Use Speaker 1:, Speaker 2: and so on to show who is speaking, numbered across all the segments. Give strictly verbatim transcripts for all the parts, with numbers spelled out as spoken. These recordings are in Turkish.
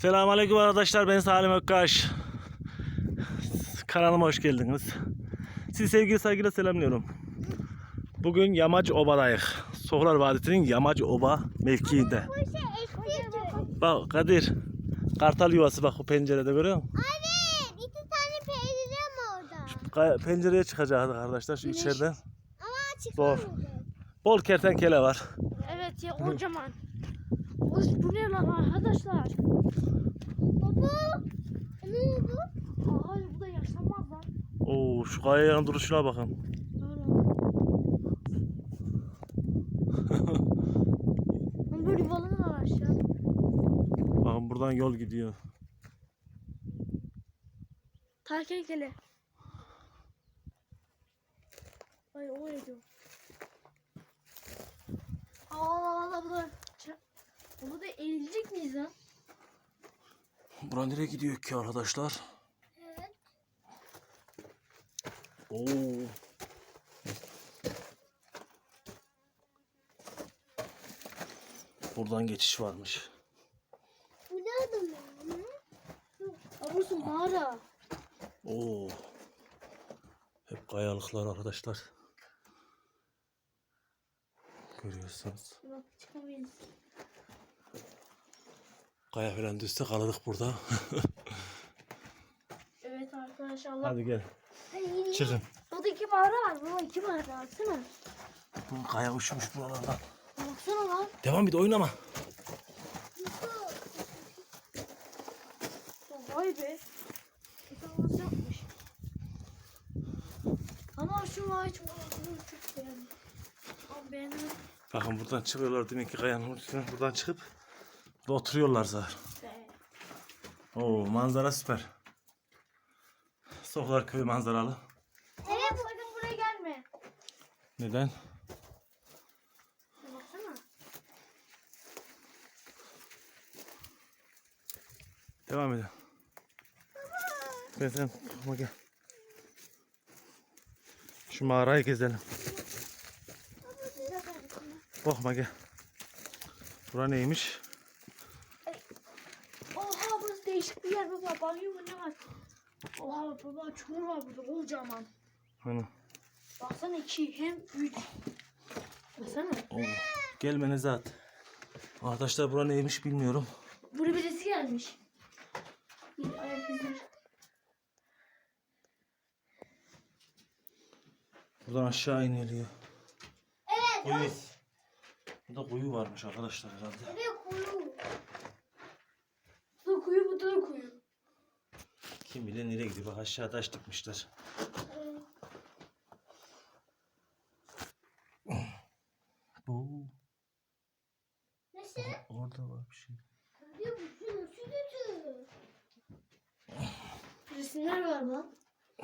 Speaker 1: Selamünaleyküm arkadaşlar, ben Salim Ökkaş. Kanalıma hoş geldiniz. Sizi sevgili saygıyla selamlıyorum. Bugün Yamaç Oba'dayız. Soğuklar Vadisi'nin Yamaç Oba mevkiinde. Bak Kadir, kartal yuvası bak o pencerede, görüyor musun?
Speaker 2: Evet, iki tane pencere mi orada?
Speaker 1: Ka- Pencereye çıkacağız arkadaşlar şu içeriden.
Speaker 2: Ama açık
Speaker 1: Zor.
Speaker 2: olmadı.
Speaker 1: Bol kertenkele var.
Speaker 3: Evet ya, kocaman. Oy, bu ne lan arkadaşlar?
Speaker 2: Baba, ne oldu?
Speaker 3: Hayır, bu da yaşanmaz lan.
Speaker 1: Oo, şu kayanın duruşuna bakın.
Speaker 3: Lan böyle balon var aşağı.
Speaker 1: Bakın buradan yol gidiyor.
Speaker 3: Kertenkele. Ay o ediyor. Allah Allah, bu da... Bu da eğilecek miyiz lan?
Speaker 1: Bura nereye gidiyor ki arkadaşlar?
Speaker 2: Evet.
Speaker 1: Oo. Buradan geçiş varmış.
Speaker 2: Bu nerede mi?
Speaker 3: Aa, burası mağara.
Speaker 1: Oo. Hep kayalıklar arkadaşlar. Görüyorsunuz.
Speaker 3: Bak, çıkamayız.
Speaker 1: Kaya falan düşse kalırız burada.
Speaker 3: Evet arkadaşlar, Allah.
Speaker 1: Hadi gel.
Speaker 3: Ay,
Speaker 1: Çıkın.
Speaker 3: burada iki mağara var. Burada iki mağara, baksana.
Speaker 1: Bu kaya uçmuş buralardan.
Speaker 3: Baksana lan.
Speaker 1: Devam et, oynama.
Speaker 3: Vay be. Nasıl yapmış? Ama şu ağaç mağarasını çok beğendim. Ama beğendim.
Speaker 1: Bakın buradan çıkıyorlar demek ki kayanın üstüne. Buradan çıkıp burada oturuyorlar zaten.
Speaker 3: Be.
Speaker 1: Oo, manzara süper. Soğuklar köyü manzaralı.
Speaker 3: Evet, sakın buraya gelme.
Speaker 1: Neden?
Speaker 3: Baksana.
Speaker 1: Devam edin. Ben sen korkma, gel. Şu mağarayı gezelim. Korkma, gel. Bura neymiş?
Speaker 3: Oha, burası değişik bir yer baba. Banyo mu ne var? Oha baba, çukur var burada kocaman.
Speaker 1: Hani.
Speaker 3: Baksana, iki hem üç. Baksana.
Speaker 1: Oo. Gelmenize at. Arkadaşlar bura neymiş bilmiyorum.
Speaker 3: Buraya birisi gelmiş. Bir ayak izleri.
Speaker 1: Buradan aşağı iniliyor.
Speaker 2: Evet.
Speaker 1: Kuyu. Burada kuyu varmış arkadaşlar herhalde.
Speaker 2: Evet, kuyu.
Speaker 3: Bu da kuyu, bu da kuyu.
Speaker 1: Kim bilir nereye gidiyor. Bak aşağı taş dikmişler. Oo,
Speaker 2: Nasıl?
Speaker 1: orada var bir şey.
Speaker 2: Tabii bu su nasıl kötü?
Speaker 3: Resimler var lan.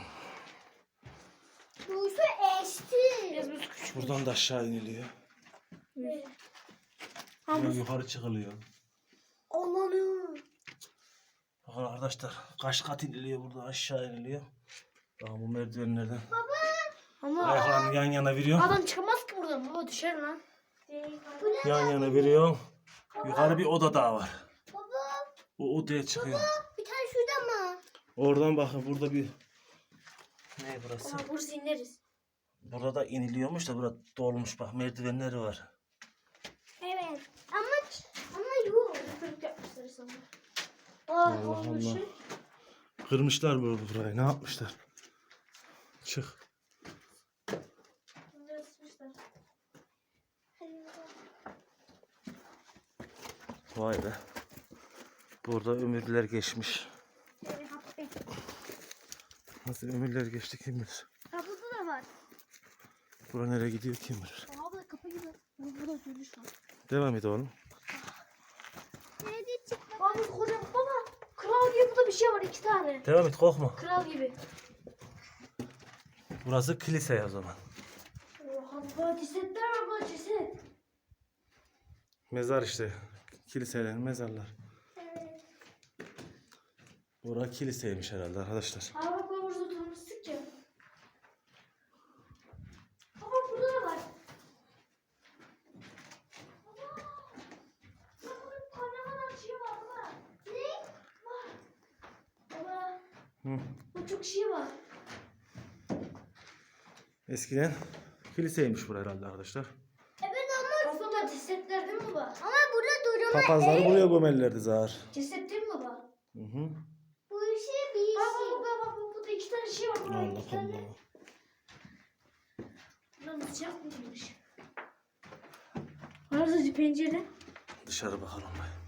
Speaker 2: Bu su eşti.
Speaker 3: Biraz biraz küçük.
Speaker 1: Buradan da aşağı iniliyor.
Speaker 3: Evet.
Speaker 1: Buradan
Speaker 3: Ama
Speaker 1: yukarı çıkılıyor.
Speaker 3: Allah'ım.
Speaker 1: Bakın arkadaşlar kaç kat iniliyor, burada aşağı iniliyor. Bakın bu merdivenlerden.
Speaker 3: Ama
Speaker 1: Ayaklarını yan yana veriyor.
Speaker 3: adam çıkamaz ki buradan. Baba düşer lan.
Speaker 1: Yan yana veriyor. Yukarı bir oda daha var.
Speaker 2: Baba,
Speaker 1: O odaya çıkıyor.
Speaker 2: bir tane şurada mı?
Speaker 1: Oradan bakın burada bir... Ne burası?
Speaker 3: Ama burası ineriz.
Speaker 1: Burada da iniliyormuş da burada dolmuş, bak merdivenleri var.
Speaker 2: Evet. Ama ama yok.
Speaker 3: Kırık yapmışlar sana.
Speaker 1: Allah
Speaker 3: Aa, olmuş.
Speaker 1: Allah. Kırmışlar böyle burayı, ne yapmışlar? Çık.
Speaker 3: Resmişler.
Speaker 1: Vay be. Burada ömürler geçmiş. Nasıl ömürler geçti kim bilir.
Speaker 3: Ha, burada da var.
Speaker 1: Bura nereye gidiyor kim bilir.
Speaker 3: Aa, burada kapı gibi. Bu burada dönüş var.
Speaker 1: Devam et oğlum.
Speaker 2: Nerede çıktı?
Speaker 3: Aa, bu kocaman baba. Kral gibi burada bir şey var, iki tane.
Speaker 1: Devam et, korkma.
Speaker 3: Kral gibi.
Speaker 1: Burası kilise o zaman.
Speaker 3: Oha baba, cesetler var baba, ceset.
Speaker 1: Mezar işte. Kiliseler, mezarlar.
Speaker 2: Evet.
Speaker 1: Bura kiliseymiş herhalde arkadaşlar.
Speaker 3: Aa, bak baba, burada oturmuştuk ya. Baba, burada da var. Baba. Bak, burada ne kadar şey var baba.
Speaker 2: Ne?
Speaker 1: Hı.
Speaker 3: Bu çok şey var.
Speaker 1: Eskiden kiliseymiş burası herhalde arkadaşlar.
Speaker 2: Evet ama
Speaker 3: Baba cesetler değil mi baba?
Speaker 2: ama burada durma.
Speaker 1: Papazları buraya gömerlerdi zar.
Speaker 3: Ceset değil mi baba?
Speaker 1: Hı hı.
Speaker 2: Bu işi bir
Speaker 3: Baba
Speaker 2: işi.
Speaker 3: baba baba burada iki tane şey var. Burada
Speaker 1: Allah
Speaker 3: iki tane.
Speaker 1: Allah.
Speaker 3: Lan sıcak mıymış? Orası pencere.
Speaker 1: Dışarı bakalım.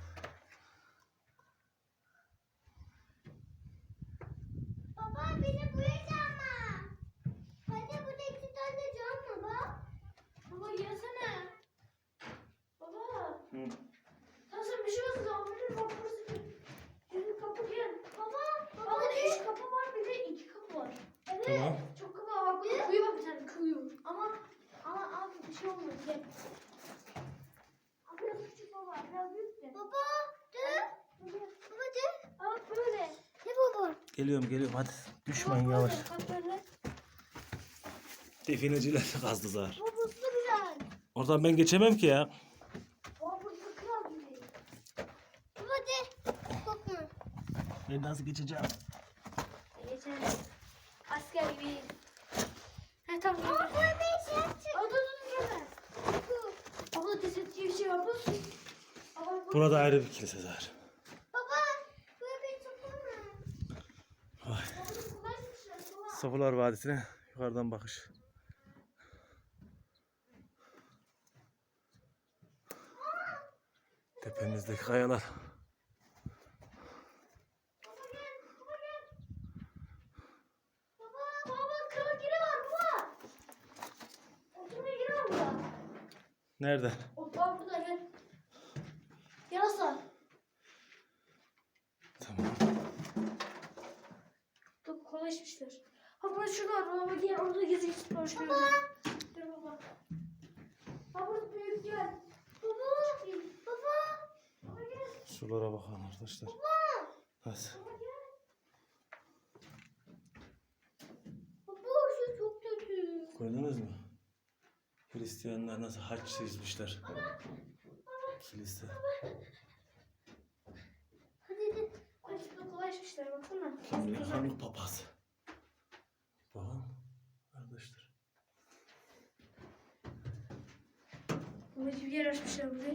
Speaker 2: Baba beni buraya ama. Hadi burada iki tane cam var bak.
Speaker 3: Baba gelsene. Baba.
Speaker 1: Hı.
Speaker 3: Tamam sen bir şey olsun zaman benim bak burası bir. Yürü kapı gel.
Speaker 2: Baba.
Speaker 3: Baba da üç kapı var bir de iki kapı var.
Speaker 2: Evet.
Speaker 1: Tamam.
Speaker 3: Çok kapı var. Bak burada kuyu var bir tane kuyu. Ama ama abi bir şey olmaz gel. Abi biraz küçük baba biraz büyük de.
Speaker 2: Baba dur. Baba dur.
Speaker 3: Bak böyle.
Speaker 2: Ne baba?
Speaker 1: Geliyorum geliyorum hadi. Düşmeyin
Speaker 3: Bak
Speaker 1: yavaş.
Speaker 3: böyle, Bak böyle.
Speaker 1: Defineciler kazdı zar.
Speaker 2: Bu buzlu biraz.
Speaker 1: Oradan ben geçemem ki ya.
Speaker 3: Baba burada kral gibi.
Speaker 2: Baba dur. Korkma.
Speaker 1: Ben nasıl geçeceğim?
Speaker 3: Geçen asker gibi. He tamam.
Speaker 2: Baba bu bir şey çık.
Speaker 3: Aa, dur dur dur gelme. Abla ceset diye bir şey var. Dur. Abla bak.
Speaker 1: Burada ayrı bir kilise zar.
Speaker 2: Baba bu bir çukur mu?
Speaker 1: Vay.
Speaker 3: Abla kolaymışlar. Baba.
Speaker 1: Sofular Vadisi'ne yukarıdan bakış. Tepemizdeki kayalar.
Speaker 3: Baba gel. Baba gel. Baba baba kral giri var baba. Oturmaya giri var burada.
Speaker 1: Nerede?
Speaker 3: O baba burada gel. Yarasa.
Speaker 1: Tamam.
Speaker 3: Dur kolaymışlar. Ha burası şurada var. Baba gel orada gezi git. Baba. Dur baba. Ha burası büyük gel. Baba. Baba. Baba gel.
Speaker 1: Sulara bakın arkadaşlar. Hadi.
Speaker 3: Baba gel.
Speaker 2: Baba şu çok kötü.
Speaker 1: Gördünüz mü? Hristiyanlar nasıl haç çizmişler. Kilise.
Speaker 3: Hadi hadi. Ay şurada kolaymışlar baksana.
Speaker 1: Kim bilir hangi papaz. Bakın arkadaşlar.
Speaker 3: Böyle bir yer açmışlar buraya.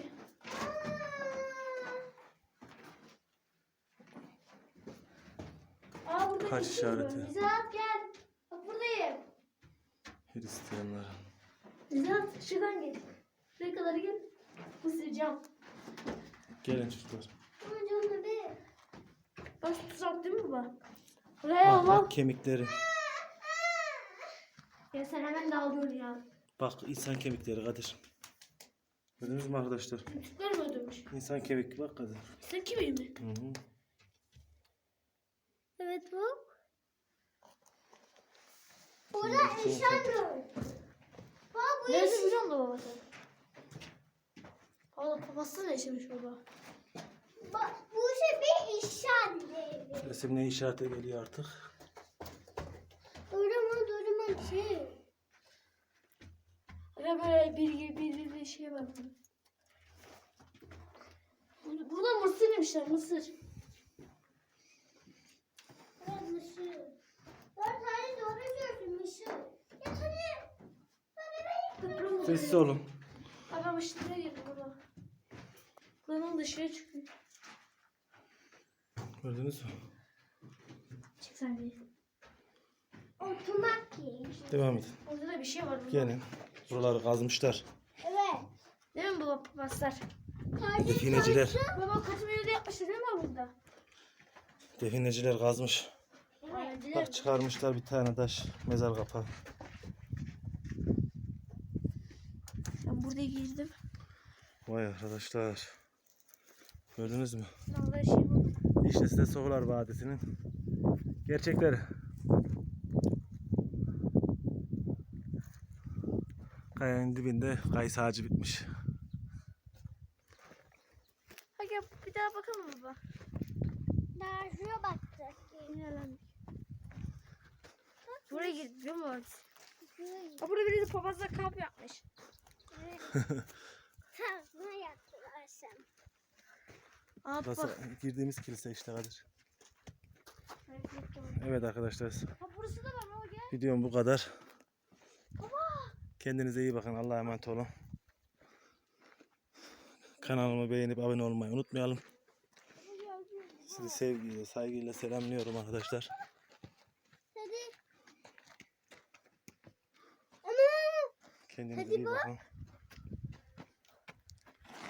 Speaker 3: Aa burada
Speaker 1: Kaç
Speaker 3: bir şey var.
Speaker 1: işareti?
Speaker 3: Nizahat gel. Bak buradayım.
Speaker 1: Hristiyanlar.
Speaker 3: Nizahat şuradan gel. Şuraya kadar gel. Bu size cam.
Speaker 1: Gelin çocuklar.
Speaker 2: Ama canım bir.
Speaker 3: Bak tuzak değil mi baba? Buraya
Speaker 1: Bak,
Speaker 3: bak.
Speaker 1: bak kemikleri.
Speaker 3: Ya sen hemen dağılıyorsun ya.
Speaker 1: Bak insan kemikleri Kadir. Gördünüz mü arkadaşlar?
Speaker 3: Küçükler mi öldürmüş?
Speaker 1: İnsan kemik bak Kadir.
Speaker 3: Sen kimi mi?
Speaker 1: Hı hı.
Speaker 2: Evet bu. Burada
Speaker 1: Şimdi
Speaker 2: insan
Speaker 1: çok-
Speaker 2: yok. Baba bu
Speaker 3: Nerede
Speaker 2: iş.
Speaker 3: biliyor musun baba sen? Valla babası ne yaşamış baba?
Speaker 2: Bak bu şey bir insan değil.
Speaker 1: Resim ne işarete geliyor artık?
Speaker 2: Durma durma şey.
Speaker 3: Ya böyle bir bir bir, bir şey var burada. Burada- Burada mısır yemişler mısır.
Speaker 2: Evet mışır. Dört tane doğru gördüm mışır. Ya hadi.
Speaker 3: Köprü mü?
Speaker 1: Sessiz olun.
Speaker 3: Adam ışıklara girdi baba. Buranın dışarı çıkıyor.
Speaker 1: Gördünüz mü?
Speaker 3: Çık sen bir.
Speaker 2: Oturmak ki.
Speaker 1: Devam edin.
Speaker 3: Orada da bir şey var. Baba.
Speaker 1: Gelin. Buraları kazmışlar.
Speaker 2: Evet.
Speaker 3: Değil mi baba papazlar?
Speaker 2: Kardeş
Speaker 1: Defineciler.
Speaker 3: Baba kötü bir yerde yapmışlar değil mi burada?
Speaker 1: Defineciler kazmış.
Speaker 3: Evet.
Speaker 1: Bak çıkarmışlar bir tane taş. Mezar kapağı.
Speaker 3: Ben buraya girdim.
Speaker 1: Vay arkadaşlar. Gördünüz mü?
Speaker 3: Vallahi şey buldum.
Speaker 1: İşte size Soğular Vadisi'nin gerçekleri. Kayanın dibinde kayısı ağacı bitmiş.
Speaker 3: Hadi gel bir daha bakalım baba.
Speaker 2: Daha şuraya bakacak.
Speaker 3: Buraya girdik değil mi baba?
Speaker 2: Şuraya
Speaker 3: Ha burada biri de papazla kamp yapmış.
Speaker 2: Kazma yaptılar sen.
Speaker 3: Aa
Speaker 1: Burası
Speaker 3: bak.
Speaker 1: girdiğimiz kilise işte Kadir. Evet arkadaşlar.
Speaker 3: Ha burası da var baba gel.
Speaker 1: Videom bu kadar. Kendinize iyi bakın. Allah'a emanet olun. Kanalımı beğenip abone olmayı unutmayalım. Sizi sevgiyle, saygıyla selamlıyorum arkadaşlar.
Speaker 2: Hadi. Ana.
Speaker 1: Kendinize
Speaker 2: Hadi
Speaker 1: iyi
Speaker 2: bak.
Speaker 1: bakın.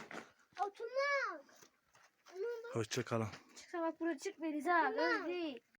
Speaker 2: Oturmak.
Speaker 1: Hoşça kalın.
Speaker 3: Çıksa bak buraya çık Melis ha. Öyle değil.